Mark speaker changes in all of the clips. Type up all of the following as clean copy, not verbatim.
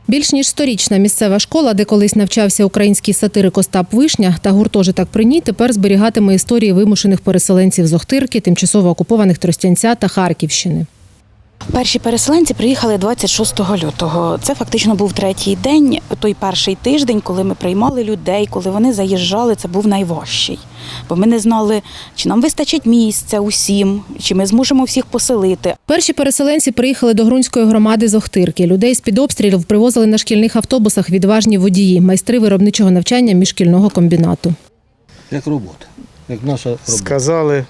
Speaker 1: Більш ніж 100-річна місцева школа, де колись навчався український сатирик Остап Вишня та гуртожиток при ній, тепер зберігатиме історії вимушених переселенців з Охтирки, тимчасово окупованих Тростянця та Харківщини.
Speaker 2: Перші переселенці приїхали 26 лютого. Це фактично був третій день, той перший тиждень, коли ми приймали людей, коли вони заїжджали, це був найважчий. Бо ми не знали, чи нам вистачить місця усім, чи ми зможемо всіх поселити.
Speaker 1: Перші переселенці приїхали до Грунської громади з Охтирки. Людей з-під обстрілів привозили на шкільних автобусах відважні водії, майстри виробничого навчання міжшкільного комбінату.
Speaker 3: Як робота, як наша робота.
Speaker 4: Сказали,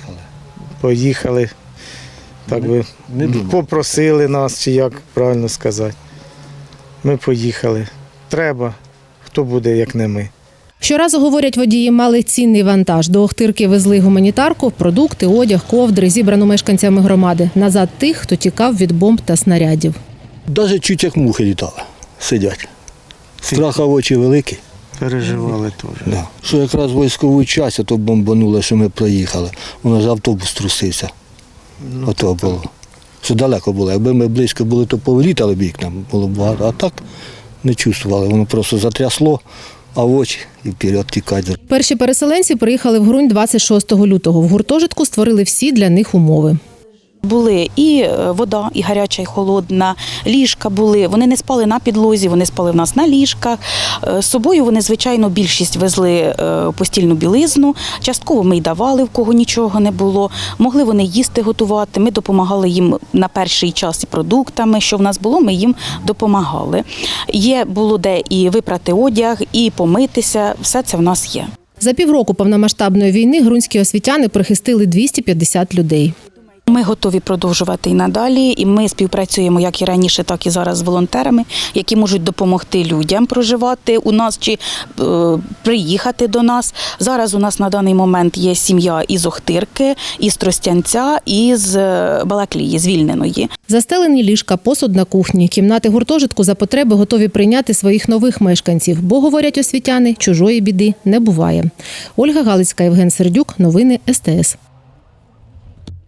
Speaker 4: поїхали. Так би попросили нас, чи як правильно сказати. Ми поїхали. Треба, хто буде, як не ми.
Speaker 1: Щоразу, говорять водії, мали цінний вантаж. До Охтирки везли гуманітарку, продукти, одяг, ковдри, зібрану мешканцями громади. Назад тих, хто тікав від бомб та снарядів.
Speaker 3: Навіть чуть як мухи літали, сидять. Страха в очі великі.
Speaker 4: Переживали теж.
Speaker 3: Да. Що якраз військову час, то бомбануло, що ми проїхали. Воно ж автобус трусився. Ото було. Що далеко було. Якби ми близько були, то повилітали б вікна, було б багато. А так не чувствували. Воно просто затрясло, а в очі і вперед тікати.
Speaker 1: Перші переселенці приїхали в Грунь 26 лютого. В гуртожитку створили всі для них умови.
Speaker 2: Були і вода, і гаряча, і холодна, ліжка були. Вони не спали на підлозі, вони спали в нас на ліжках. З собою вони, звичайно, більшість везли постільну білизну. Частково ми й давали, в кого нічого не було. Могли вони їсти готувати, ми допомагали їм на перший час і продуктами. Що в нас було, ми їм допомагали. Було де і випрати одяг, і помитися, все це в нас є.
Speaker 1: За півроку повномасштабної війни грунські освітяни прихистили 250 людей.
Speaker 2: Ми готові продовжувати і надалі, і ми співпрацюємо як і раніше, так і зараз з волонтерами, які можуть допомогти людям проживати у нас чи приїхати до нас. Зараз у нас на даний момент є сім'я із Охтирки, із Тростянця, і з Балаклії, звільненої.
Speaker 1: Застелені ліжка, посуд на кухні, кімнати гуртожитку за потреби готові прийняти своїх нових мешканців. Бо, говорять освітяни, чужої біди не буває. Ольга Галицька, Євген Сердюк. Новини СТС.